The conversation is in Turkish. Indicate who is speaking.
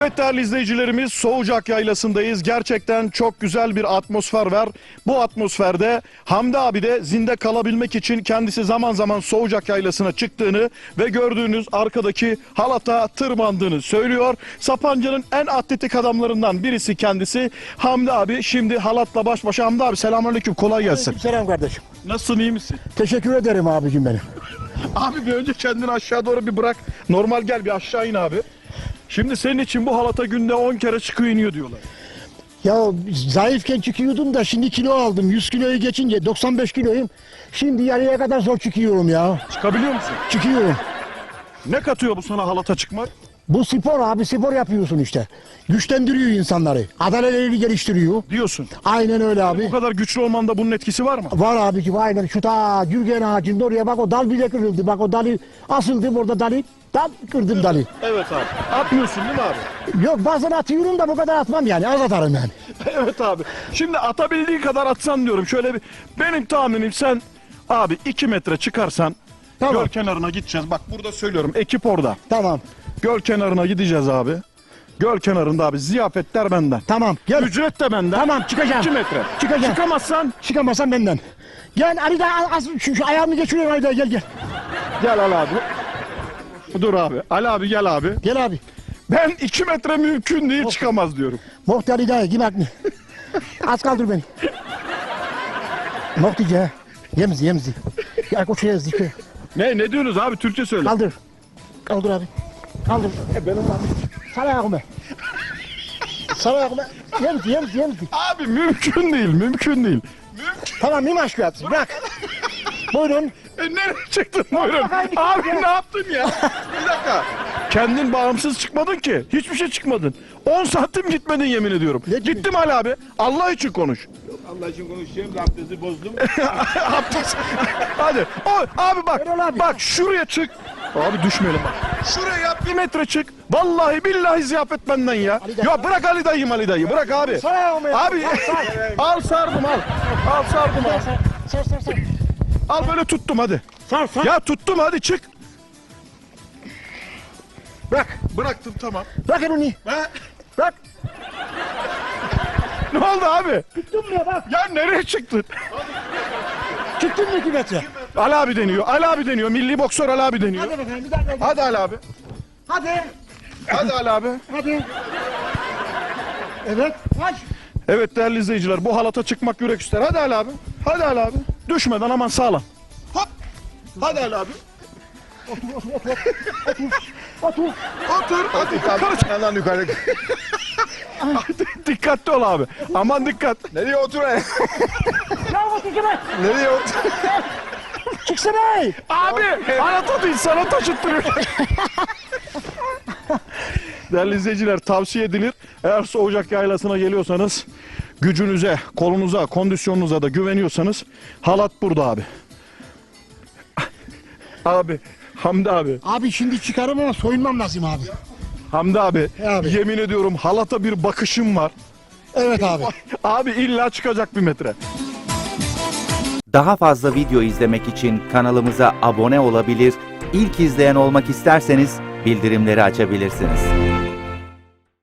Speaker 1: Evet değerli izleyicilerimiz, Soğucak Yaylası'ndayız. Gerçekten çok güzel bir atmosfer var. Bu atmosferde Hamdi abi de zinde kalabilmek için kendisi zaman zaman Soğucak Yaylası'na çıktığını ve gördüğünüz arkadaki halata tırmandığını söylüyor. Sapanca'nın en atletik adamlarından birisi kendisi Hamdi abi. Şimdi halatla baş başa. Hamdi abi selamünaleyküm, kolay gelsin.
Speaker 2: Selam kardeşim.
Speaker 1: Nasılsın, iyi misin?
Speaker 2: Teşekkür ederim abicim benim.
Speaker 1: Abi bir önce kendini aşağı doğru bir bırak. Normal gel, bir aşağı in abi. Şimdi senin için bu halata günde 10 kere çıkıyor iniyor diyorlar.
Speaker 2: Ya zayıfken çıkıyordum da şimdi kilo aldım. 100 kiloyu geçince 95 kiloyum. Şimdi yarıya kadar zor çıkıyorum ya.
Speaker 1: Çıkabiliyor musun?
Speaker 2: Çıkıyorum.
Speaker 1: Ne katıyor bu sana halata çıkmak?
Speaker 2: Bu spor abi, spor yapıyorsun işte. Güçlendiriyor insanları. Adalelerini geliştiriyor.
Speaker 1: Diyorsun.
Speaker 2: Aynen öyle abi.
Speaker 1: Bu kadar güçlü olmanda bunun etkisi var mı?
Speaker 2: Var abicim, aynen. Şu ta Gürgen ağacında oraya bak, o dal bile kırıldı. Bak o dalı asıldım orada, dalı. Dal kırdım dalı.
Speaker 1: Evet abi. Atmıyorsun değil mi abi?
Speaker 2: Yok, bazen atıyorum da bu kadar atmam yani. Az atarım yani.
Speaker 1: Evet abi. Şimdi atabildiğin kadar atsan diyorum. Şöyle bir, benim tahminim sen abi 2 metre çıkarsan
Speaker 2: Tamam.
Speaker 1: göl kenarına gideceğiz. Bak burada söylüyorum, ekip orada.
Speaker 2: Tamam.
Speaker 1: Göl kenarına gideceğiz abi. Göl kenarında abi, ziyafetler benden.
Speaker 2: Tamam. Gel.
Speaker 1: Ücret de benden.
Speaker 2: Tamam, çıkacağım.
Speaker 1: 2 metre.
Speaker 2: Çıkacağım.
Speaker 1: Çıkamazsan
Speaker 2: Çıkamazsan benden. Gel Ali da şu ayağımı geçiriyorum Ali da, gel.
Speaker 1: gel al abi. Dur abi. Ali abi gel abi.
Speaker 2: Gel abi.
Speaker 1: Ben 2 metre mümkün değil, çıkamaz diyorum.
Speaker 2: Muhtar Ali da gel mi? Az kaldır beni. Muhtice. Yemzi. Ya koşuya zikre.
Speaker 1: Ne diyorsunuz abi, Türkçe söyle.
Speaker 2: Kaldır. Kaldır abi. Kaldır. Benim abi. Sal ayağımı. Sal ayağımı. Yemzi.
Speaker 1: Abi mümkün değil.
Speaker 2: Tamam, mim aşkı bırak. Buyurun.
Speaker 1: Nereye çıktın buyurun? Abi ne yaptın ya? Bir dakika. Kendin bağımsız çıkmadın ki. Hiçbir şey çıkmadın. 10 santim gitmedin, yemin ediyorum.
Speaker 2: Ne gibi?
Speaker 1: Gittim Ali abi. Allah için konuş.
Speaker 3: Allah için konuşacağım da abdesti bozdum.
Speaker 1: Abdest. Hadi. Abi bak.
Speaker 2: Erol abi.
Speaker 1: Bak şuraya çık. Abi düşmeyelim bak. Şuraya yap, 1 metre çık. Vallahi billahi ziyafet benden ya.
Speaker 2: Ali dayı.
Speaker 1: Ya bırak Ali dayı. Bırak abi.
Speaker 2: Sal ayağımı.
Speaker 1: Abi al sardım al. Al sardım al.
Speaker 2: Sar.
Speaker 1: Al böyle tuttum hadi.
Speaker 2: Sar.
Speaker 1: Ya tuttum, hadi çık.
Speaker 2: Bırak.
Speaker 1: Bıraktım, tamam.
Speaker 2: Bırak elini. Bırak.
Speaker 1: Ne oldu abi?
Speaker 2: Tuttum ya bak.
Speaker 1: Ya nereye çıktın?
Speaker 2: Çıktın mı 2 metre?
Speaker 1: Ali abi deniyor. Milli boksör Ali abi deniyor.
Speaker 2: Hadi bakalım bir dakika.
Speaker 1: Hadi Ali abi.
Speaker 2: Hadi.
Speaker 1: Hadi Ali abi.
Speaker 2: Hadi. Evet. Kaç.
Speaker 1: Evet değerli izleyiciler, bu halata çıkmak yürek ister. Hadi Ali abi. Hadi Ali abi. Düşmeden aman sağlam. Hop. Hadi Ali abi.
Speaker 2: Otur.
Speaker 1: Otur. Hadi karış.
Speaker 3: Yandan yukarı.
Speaker 1: Dikkatli ol abi. Aman dikkat.
Speaker 3: Nereye otur?
Speaker 2: Ya otur kime?
Speaker 3: Nereye otur?
Speaker 2: Çıksana.
Speaker 1: Abi halata değil, sana taşıttırıyor. Değerli izleyiciler, tavsiye edilir. Eğer Soğucak Yaylası'na geliyorsanız, gücünüze, kolunuza, kondisyonunuza da güveniyorsanız halat burada abi. Abi, Hamdi abi.
Speaker 2: Abi şimdi çıkarım ama soyunmam lazım abi.
Speaker 1: Hamdi abi,
Speaker 2: Abi.
Speaker 1: yemin ediyorum halata bir bakışım var.
Speaker 2: Evet abi.
Speaker 1: Abi illa çıkacak 1 metre.
Speaker 4: Daha fazla video izlemek için kanalımıza abone olabilir, ilk izleyen olmak isterseniz bildirimleri açabilirsiniz.